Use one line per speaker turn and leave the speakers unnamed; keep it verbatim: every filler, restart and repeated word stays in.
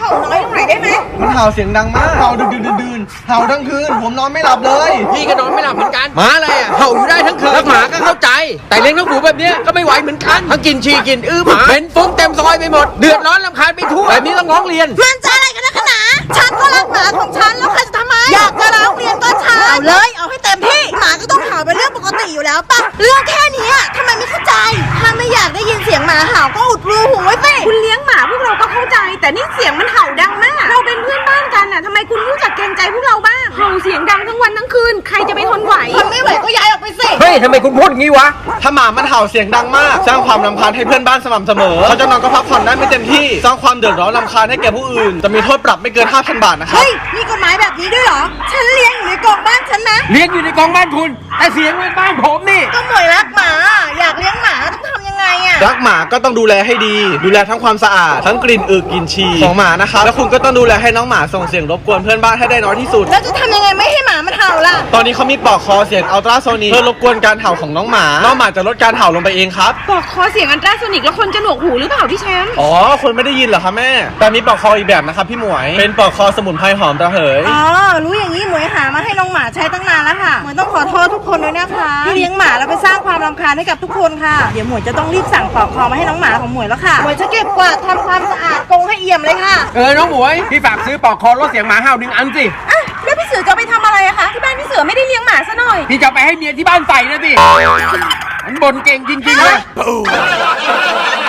ห่าน้อยลงหน่อยได้ไหม
มันเห่าเสียงดังมากเห่าดึกดื่นดื่นเห่าทั้งคืนผมนอนไม่หลับเลย
พี่ก็นอนไม่หลับเหมือนกันหมาอะไรอ่ะเห่าอยู่ได้ทั้งคืนแล้วหมาก็เข้าใจแต่เลี้ยงน้องหมูแบบนี้ก็ไม่ไหวเหมือนกันทั้งกินฉี่กินอื้อหมาเป็นฟุ้งเต็มซอยไปหมดเดือดร้อนรำคาญไปทั่วแบบนี้ต้องร้องเรียน
มันจะอะไรกันนะขนาฉันก็รักหมาของฉันแล้วใครจะทำไมอยากจะร้องเรียนก็ฉันเอาเลยเอาให้เต็มที่หมาก็ต้องเห่าเป็นเรื่องปกติอยู่แล้วปะเรื่องแค่นี้ทำไมไม่เข้าใจถ้าไม่อยากได้ยินเสียงหมาเห่าก็อุดรูหูไว้สิ
คุณเลี้ยงหมาพวกเราก็เข้าใจแต่นี่เสียงมันเห่าดังมากเราเป็นเพื่อนบ้านกันน่ะทำไมคุณรู้จักเกรงใจพวกเราบ้างเห่าเสียงดังทั้งวันทั้งคืนใครจะไปทนไหว
ทนไม่ไหวก็ย้ายออกไปสิ
เฮ้ยทำไมคุณพูดงี้วะ
ถ้าหมามันเห่าเสียงดังมากสร้างความรำคาญให้เพื่อนบ้านสม่ำเสมอเขาจะนอนก็พักผ่อนได้ไม่เต็มที่สร้างความเดือดร้อนรำคาญให้แก่ผู้อื่นจะมีโทษปรับไม่เกิน ห้าพัน บาทนะครับ
เฮ้ยมีกฎหมายแบบนี้ด้วยเหรอฉันเลี้ยงอยู่ในกรงบ้านฉันนะ
เลี้ยงอยู่ในกองบ้านคุณแต่เสียงในบ้านผมนี่
ก็หมวยรักหมาอยากเลี้ยงหมาต้องทำยังไงอะ
รักหมาก็ต้องดูแลให้ดีดูแลทั้งความสะอาดทั้งกลิ่นอึกลิ่นฉี่ของหมานะครับแล้วคุณก็ต้องดูแลให้น้องหมาส่งเสียงรบกวนเพื่อนบ้านให้ได้น้อยที่สุด
แล้วจะทำยังไงไม่ให้หมามันเห่าล่ะ
ตอนนี้เขามีปลอกคอเสียงอัลตราโซนิกเพื่อรบกวนการเห่าของน้องหมาน้องหมาจะลดการเห่าลงไปเองครับ
ปลอกคอเสียงอัลตราโซนิกแล้วคนจะหนวกหูหรือเปล่าพี่แชมป์
อ๋อคนไม่ได้ยินเหรอคะแม่แต่มีปลอกคออีกแบบนะครับพี่หมวยเป็นปลอกคอสมุนไพรหอมระเหย
อ๋อรู้อย่างนี้หมวยหามาให้น้องหมาใช้ตั้งนานแล้วค่ะหมวยต้องขอโทษทุกคนด้วยนะคะที่เลี้ยงหมาแล้วไปสร้างความรำคาญให้กับทุกคนค่ะเดี๋ยวหมวยจะต้องรีบสั่งปลอกคอมาให้น้องหมาของหมวยแล้วค่ะหมวยจะเก็บกวาดทำความสะอาดกรงให้เอี่ยมเลยค่ะ
เออน้องหมวยพี่ฝากซื้อปลอกคอลดเสียงหมาเห่าหนึ่งอันสิ
อ่ะแล้วพี่เสือจะไปทำอะไรอะคะที่บ้านพี่เสือไม่ได้เลี้ยงหมาซะหน่อย
พี่จะไปให้เมียที่บ้านใส่นะสิมันบ่นเก่งจริงๆเลย